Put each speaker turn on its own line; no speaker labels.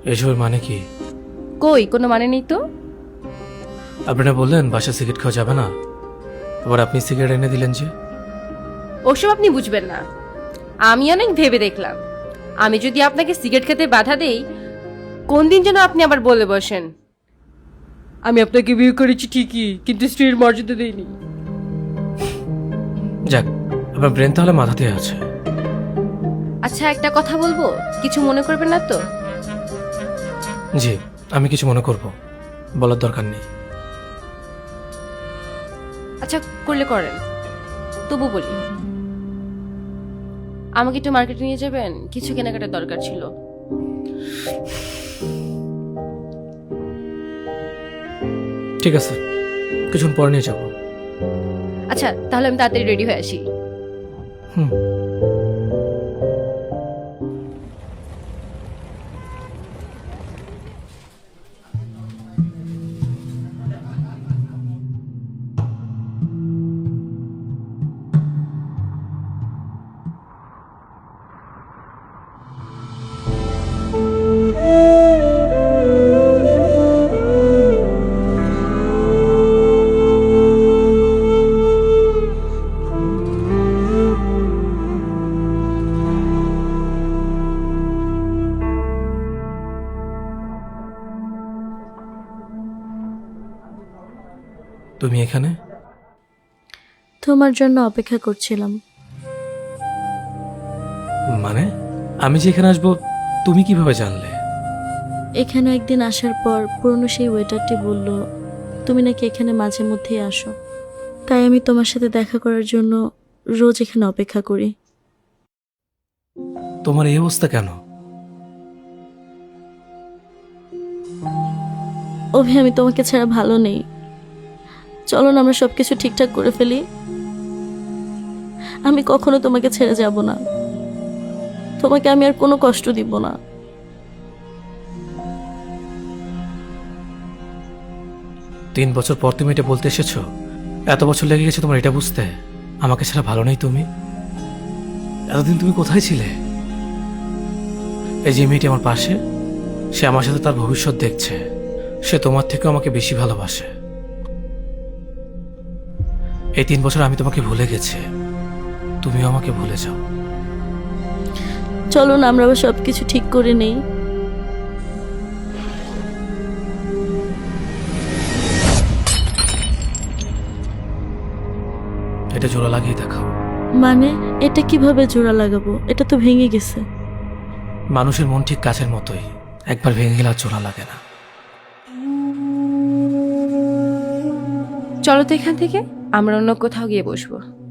এসবের মানে কি?
কই কোনো মানে নেই তো।
আপনারা বললেন বাসা সিগারেট খাওয়া যাবে না, আবার আপনি সিগারেট এনে দিলেন যে।
ওসব আপনি বুঝবেন না। আমি অনেক ভেবে দেখলাম, আমি যদি আপনাকে সিগারেট খেতে বাধা দেই, কোন দিন যেন আপনি আবার বলে বসেন আমি আপনাকে বিয়ে করেছি ঠিকই, কিন্তু স্ত্রীর মর্যাদা দেইনি।
যাক, আপনার ব্রেন তাহলে মাথাতে আছে।
আচ্ছা একটা কথা বলবো, কিছু মনে করবেন না তো?
জি, আমি কিছু মনে করব, বলার দরকার নেই।
আচ্ছা করলে করেন, তবু বলি, আমাকে একটু মার্কেটে নিয়ে যাবেন, কিছু কেনাকাটার দরকার ছিল।
ঠিক আছে, কিছুক্ষণ পরে নিয়ে যাবো।
আচ্ছা তাহলে আমি তাড়াতাড়ি রেডি হয়ে আসি।
হুম। তুমি এখানে?
তোমার জন্য অপেক্ষা করছিলাম।
মানে আমি যে এখানে আসবো তুমি কিভাবে জানলে?
এখানে একদিন আসার পর পুরনো সেই ওয়েটারটি বলল তুমি নাকি এখানে মাঝে মধ্যেই আসো, তাই আমি তোমার সাথে দেখা করার জন্য রোজ এখানে অপেক্ষা করি।
তোমার এই অবস্থা কেন?
অভি, আমি তোমাকে ছাড়া ভালো নেই। চলো না আমরা সবকিছু ঠিকঠাক করে ফেলি। আমি কখনো তোমাকে ছেড়ে যাব না, তোমাকে আমি আর কোনো কষ্ট দিব না।
3 বছর পর তুমি এটা বলতে এসেছো? এত বছর লেগে গেছে তোমার এটা বুঝতে আমাকে ছাড়া ভালো নেই তুমি? এতদিন তুমি কোথায় ছিলে? এই যে মেয়েটি আমার পাশে, সে আমার সাথে তার ভবিষ্যৎ দেখছে, সে তোমার থেকেও আমাকে বেশি ভালোবাসে। এই 3 বছর আমি তোমাকে ভুলে গেছি, তুমিও আমাকে ভুলে যাও।
চলো না আমরা আবার সবকিছু ঠিক করে নেই।
এটা জোড়া লাগিয়ে দেখাও।
মানে এটা কিভাবে জোড়া লাগাবো? এটা তো ভেঙে গেছে।
মানুষের মন ঠিক কাছের মতোই, একবার ভেঙে গেলে আর জোড়া লাগে না।
চলো তো এখান থেকে আমরা অন্য কোথাও গিয়ে বসবো।